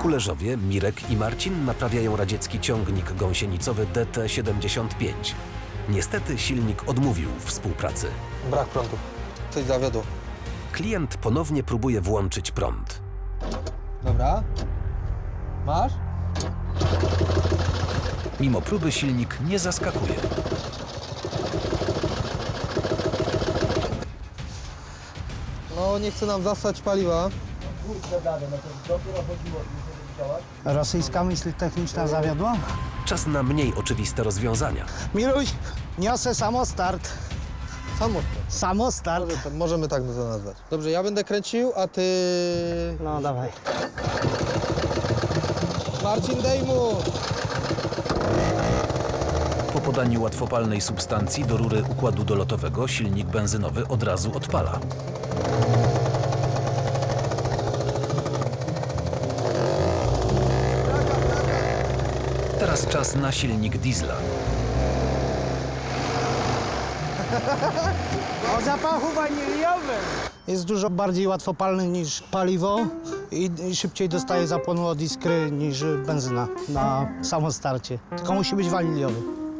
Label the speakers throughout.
Speaker 1: Kulerzowie, Mirek i Marcin naprawiają radziecki ciągnik gąsienicowy DT-75. Niestety silnik odmówił współpracy.
Speaker 2: Brak prądu. Coś zawiodło.
Speaker 1: Klient ponownie próbuje włączyć prąd.
Speaker 2: Dobra. Masz?
Speaker 1: Mimo próby silnik nie zaskakuje.
Speaker 2: No, nie chce nam zasać paliwa.
Speaker 3: Rosyjska myśl techniczna zawiodła?
Speaker 1: Czas na mniej oczywiste rozwiązania.
Speaker 3: Miluś, niosę samostart.
Speaker 2: Samotnie.
Speaker 3: Samostart.
Speaker 2: Możemy tak to nazwać. Dobrze, ja będę kręcił, a ty...
Speaker 3: No dawaj.
Speaker 2: Marcin, dej mu!
Speaker 1: Po podaniu łatwopalnej substancji do rury układu dolotowego silnik benzynowy od razu odpala. Teraz czas na silnik diesla.
Speaker 3: O zapachu waniliowym. Jest dużo bardziej łatwopalny niż paliwo i szybciej dostaje zapłonu od iskry niż benzyna na samostarcie. Tylko musi być waniliowy.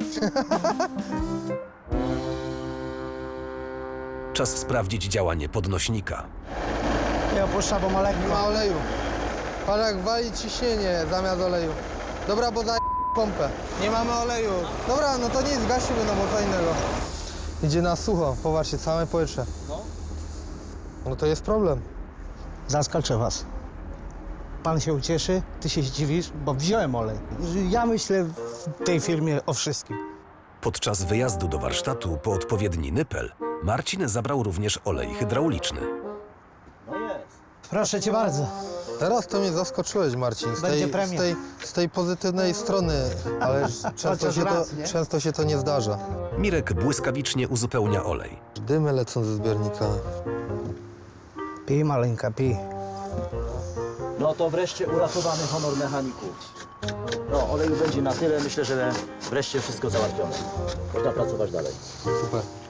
Speaker 1: Czas sprawdzić działanie podnośnika.
Speaker 3: Ja opuszczam, bo ma
Speaker 2: Nie
Speaker 3: lekko.
Speaker 2: ma oleju. Patrz jak wali ciśnienie zamiast oleju. Dobra, bo za pompę. Nie mamy oleju. Dobra, no to nic, gasimy, no bo co innego. Idzie na sucho, popatrzcie, całe powietrze. No to jest problem.
Speaker 3: Zaskoczę was. Pan się ucieszy, ty się zdziwisz, bo wziąłem olej. Ja myślę w tej firmie o wszystkim.
Speaker 1: Podczas wyjazdu do warsztatu po odpowiedni nypel Marcin zabrał również olej hydrauliczny.
Speaker 3: Proszę cię bardzo.
Speaker 2: Teraz to mnie zaskoczyłeś, Marcin,
Speaker 3: Będzie premia.
Speaker 2: z tej pozytywnej strony, ale
Speaker 3: Chociaż raz, nie?
Speaker 2: często się to nie zdarza.
Speaker 1: Mirek błyskawicznie uzupełnia olej.
Speaker 2: Dymy lecą ze zbiornika.
Speaker 3: Pij, maleńka, pij.
Speaker 4: No to wreszcie uratowany honor mechaników. No, oleju będzie na tyle. Myślę, że wreszcie wszystko załatwione. Można pracować dalej.
Speaker 2: Super.